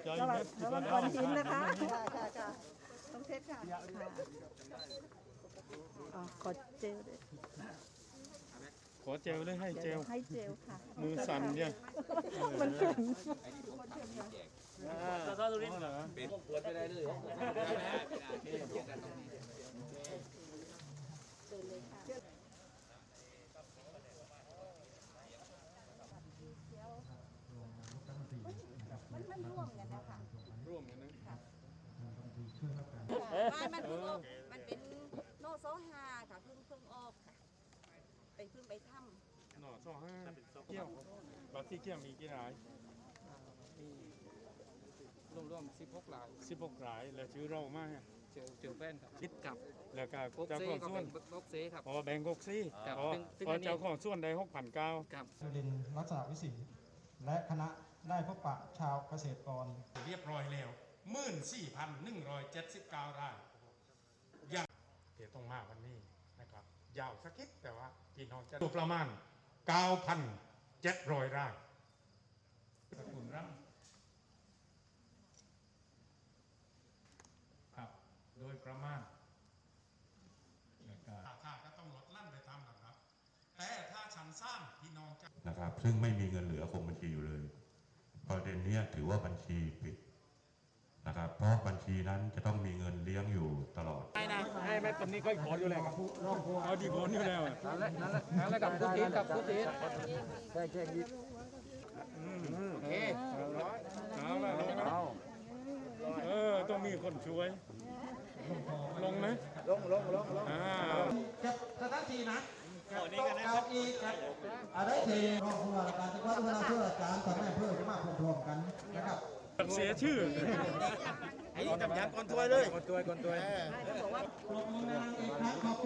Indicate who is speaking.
Speaker 1: ระวังก้อนหินนะคะต้องเทสค่ะขอเจลด้วย
Speaker 2: ขอเจลเลยให้เจล
Speaker 1: ให้เจลค่ะ
Speaker 2: มือสั่นเนี่ย
Speaker 1: มันแข็ง
Speaker 2: ถ้าตรงนี้เหรอ
Speaker 3: เป็นพวกควรไปได้เลย
Speaker 1: มันร่วมกันนะคะ
Speaker 2: ร่วมกันนะ
Speaker 4: มันเป็นโนโซฮาค่ะเพิ่งออกค่ะเพิ่งไปถ้ำ
Speaker 2: หน่อสองห้าเกี่ยวบัตรที่เกี่ยวมีกี่ราย
Speaker 3: รวม16 ราย
Speaker 2: 16รายแล้วชื่อเรามาก
Speaker 3: เจอแฟนครับคิดกับ
Speaker 2: แล้วก็
Speaker 3: พวก
Speaker 2: เจ้า
Speaker 3: เซ่
Speaker 2: ของ
Speaker 3: ก็
Speaker 2: ส่ว
Speaker 3: เป็น นพวกเซ่ครับ
Speaker 2: พอแบ่งกกซี่
Speaker 3: ครับ
Speaker 2: พอ
Speaker 3: ซึ่ง
Speaker 2: พอ
Speaker 3: อันนี้
Speaker 2: เจ้าของส่วนได้6,900
Speaker 3: ครับ
Speaker 5: จุลินทร์ลักษณะวิสิทธิ์และคณะได้พบปะชาวเกษตรกร
Speaker 2: เรียบร้อยแล้ว14,179รายยังเดี๋ยวต้องมาวันนี้นะครับยาวสักนิดแต่ว่าพี่น้องจะดูประมาณ 9,700รายสกุลร่ำครับโดยประมาณราคาก็ต้องลดลั่นไปตามลำดับแต่ถ้าชั้นสร้างพี่น้องจะ
Speaker 6: นะครับซึ่งไม่มีเงินเหลือคงบัญชีอยู่เลยประเด็นนี้ถือว่าบัญชีปิดนะครับเพราะบัญชีนั้นจะต้องมีเงินเลี้ยงอยู่ตลอด
Speaker 2: ให้แม่ตอนนี้ก็ขออยู่แล้วเอาดีขออยู่แล้ว
Speaker 3: นั่นแหละกับผู้จีนกับผู้จีนแจ้งยิบโอเค
Speaker 2: เอาละลงนะต้องมีคนช่วยลงไหมลง
Speaker 5: สถานที่นะเอาอีกอะไรทีรองผู้ว่าราชการจังหวัดเพื่อการทำให้เพื่อจะมาพร้อมๆกันนะครับ
Speaker 2: เสียชื่อ
Speaker 7: ไอ้นี่จำยังก่อนถ้วยเลย
Speaker 3: คนตัว
Speaker 5: ปรบมือดังๆอีกครั้งขอบ